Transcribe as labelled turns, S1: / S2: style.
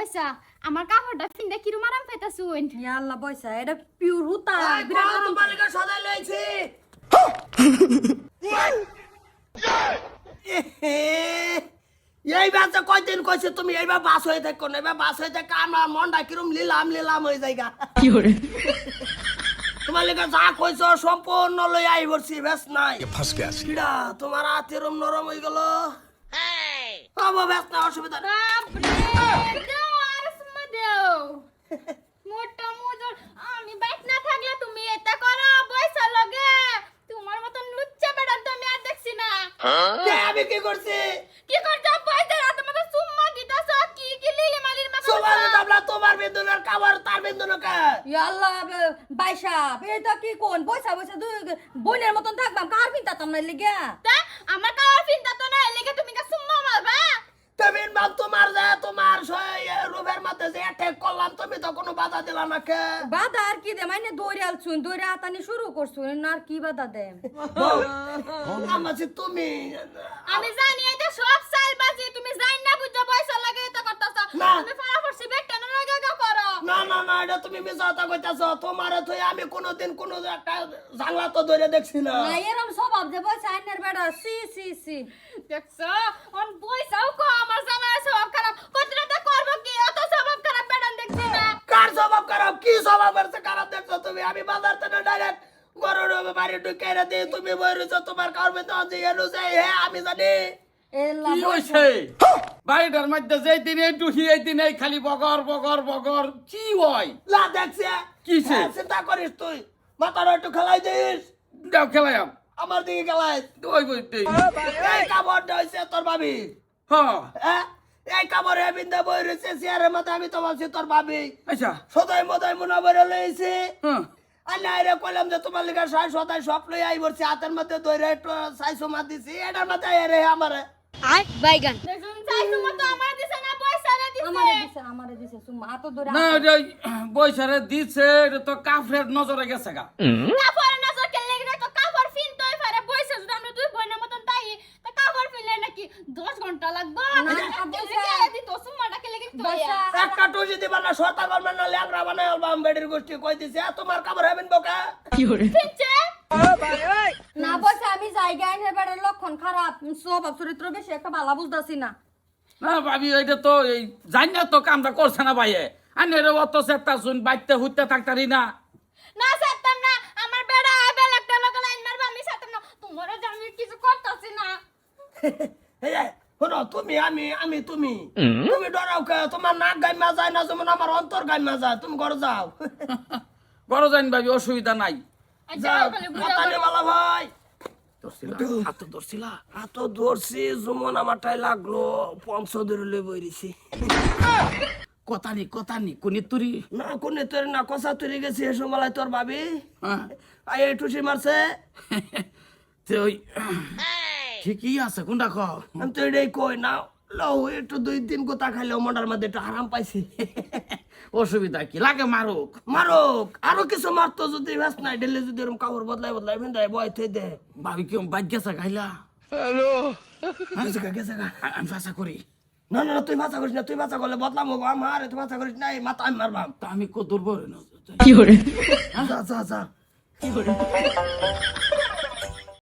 S1: বইসা আমার কাপড়টা ফিন্দে কিরম আরাম পাইতাছুন।
S2: ইয়া আল্লাহ বইসা এটা পিওর হুতা
S3: বিরাট আরাম মালিকা সদাই লইছি। এই বাচ্চা কয়দিন কইছে তুমি এইবার বাস হয়ে থাকো না, এবার বাস হয়ে থাকে আমার মনটা কিরম লিলাম লিলাম হয়ে যায়গা।
S4: কি করে
S3: তোমার লেগে যা কইছো সম্পূর্ণ লই আই বলছি বেশ নাই।
S4: ফাঁস গেছে
S3: কিডা তোমার হাত এরম নরম হয়ে গেল। বাবা বেশ না, অসুবিধা নেই।
S1: বাপরে দাও আর সুমা দাও মোটা মোজর আমি বাইক না থাকলে তুমি এটা করো বইসা লগে তোমার মতন লুচ্চা বেড়া তো আমি আর দেখছি না।
S3: আমি কি করছি?
S1: কি করছো বইসা রাত মতো সুম্মা দিতাছ কি কি লিলি মালির মা
S3: সবার দাবলা তোমার বেদনার খাবার তার বেদনা কা।
S2: ইয়া আল্লাহ বাইসা এটা কি কোন বইসা বইসা দুই বোনের মতন থাকবাম কার পিনতাম না লিগা।
S1: তা আমার কাওয়ার ফিনতা তো না এলাকে তুমি কা সুম্মা মারবা।
S3: তুমি বাপ তোমার যে তোমার রুবের মধ্যে যে অ্যাটাক করলাম তুমি তো কোনো বাধা দিলা না কে?
S2: বাধা আর কি দে মানে দৌড়ে আলছুন দৌড়ে আতানি শুরু করছুন আর কি বাধা দে।
S3: আমাছি তুমি
S1: আমি জানি এটা সব সালবাজি তুমি জান না বুঝা বইসা লাগে এটা করতাছ।
S3: না।
S1: তুমি ফরাফরসি বেকটা না লাগা করো।
S3: না না না এটা তুমি মিছাতা কইতাছো। তোমারে তো আমি কোনোদিন কোনো একটা জাংলা তো ধরে দেখছি না।
S2: না এরম স্বভাব যে বইসা আইনের বেড়া সি সি সি
S1: দেখছো অন বইসাও কো আমার জামাই স্বভাব খারাপ কতটা করব কি অত স্বভাব খারাপ বেড়ান দেখছি না।
S3: কার স্বভাব খারাপ? কি স্বভাব আছে খারাপ দেখছো তুমি? আমি বাজার থেকে ডাইরেক্ট গরুর বাড়ি ঢুকে দে তুমি বইরেছো তোমার কারবে তো যে এলো যে হ্যাঁ আমি জানি।
S2: এলা
S5: কি হইছে বাড়িটার মধ্যে যেই দিন এই টুহি এই দিন এই খালি বগর বগর বগর কি হয়?
S3: লা দেখছে
S5: কিসে?
S3: হ্যাঁ, চিন্তা করিস তুই মাথার একটু খেলাই দিস।
S5: দাও খেলাম
S3: আমার দিকে খেলাই।
S5: ওই বইতে
S3: এই কাপড়টা হইছে তোর ভাবি।
S5: হ্যাঁ
S3: হ্যাঁ এই কাপড়ে বিন্দা বই রয়েছে চেয়ারের মধ্যে আমি তো ভাবছি তোর ভাবি
S5: আচ্ছা
S3: সদাই মদাই মুনা বেড়ে লইছে।
S5: হ্যাঁ
S3: আল্লাহ আইরে কইলাম যে তোমার লিগা সাই সদাই সব লই আই বলছি হাতের মধ্যে ধরে একটু সাইসো মার দিছি এটার মধ্যে আইরে আমারে
S1: আই বাইগান দেখুন চাই তোমার তো আমার দিছে না পয়সা রে দিছে
S2: আমারে দিছে সুমা আতো দৌড়ে
S5: না ওই বইসারে দিছে এটা তো কাফরের নজরে গেছে গা।
S1: কাপড় নজর কে লেগে তো কাপড় ফিন তোই পারে বইসা যদি আমরা দুই বোনের মতন তাই তা কাপড় ফিনলে নাকি 10 ঘন্টা লাগবে না দি তো সুমাটা কে লেগে তো
S3: একটা টুজি দিবা না শর্তা করবেন না ল্যাংরা বানাই আলবাম বেডির গোষ্ঠী কই দিছে তোমার কাপড় হবেন বোকা।
S4: কি করে
S1: ফিনছে
S2: না বইসা আমি জায়গা আইনের বেড়ার লক্ষণ খারাপ স্বভাব চরিত্র বেশি একটা ভালো বুঝতাছি না।
S5: না ভাবি এটা তো এই জানি না তো কামটা করছে না ভাইয়ে আমি অত চেষ্টা শুন বাইতে হুইতে থাকতারি না।
S1: না সাততাম না আমার বেড়া বেল একটা লোক লাইন মারবা আমি সাততাম না তোমারে যে আমি কিছু করতেছি না।
S3: এই শোনো তুমি আমি তুমি তুমি ডরাও কে? তোমার নাক গাইমা যায় না যেমন আমার অন্তর গাইমা যায়। তুমি ঘরে যাও।
S5: বড় জানি ভাবি অসুবিধা নাই।
S3: যাও
S1: খালি বুঝা
S3: মাতালে
S1: করো।
S3: বালা ভাই
S5: ধরছিলা হাত ধরছিলা
S3: হাত ধরছি যেমন আমারটাই লাগলো পঞ্চ ধরে লই বইরিছি।
S5: কথা নি কোনি তুরি
S3: না কোনে তোর না কষা তুই গেছি এসো মালাই তোর ভাবি
S5: হ্যাঁ
S3: আই এই টুসি মারছে।
S5: তো ওই ঠিকই আছে কোনটা কও
S3: আমি তো এটাই কই না লও একটু 2-3 গোতা খাইলেও মন্ডার মধ্যে একটু আরাম পাইছি।
S5: অসুবিধা কি লাগে মারুক
S3: মারুক আরো কিছু মারতো যদি ব্যাস নাই ডেলে যদি এরকম কাপড় বদলাই ভিন্দাই বয় থই দে।
S5: ভাবি কি বাইক গেছে গাইলা
S3: গেছে গা।
S5: আমি ভাষা করি
S3: না না তুই মাথা করিস না, তুই মাথা করলে বদলাম হবো আমার। তুই মাথা করিস না, এই মাথা আমি মারবাম।
S5: তা আমি কত দূর বলে না
S4: কি করে
S3: যা যা যা।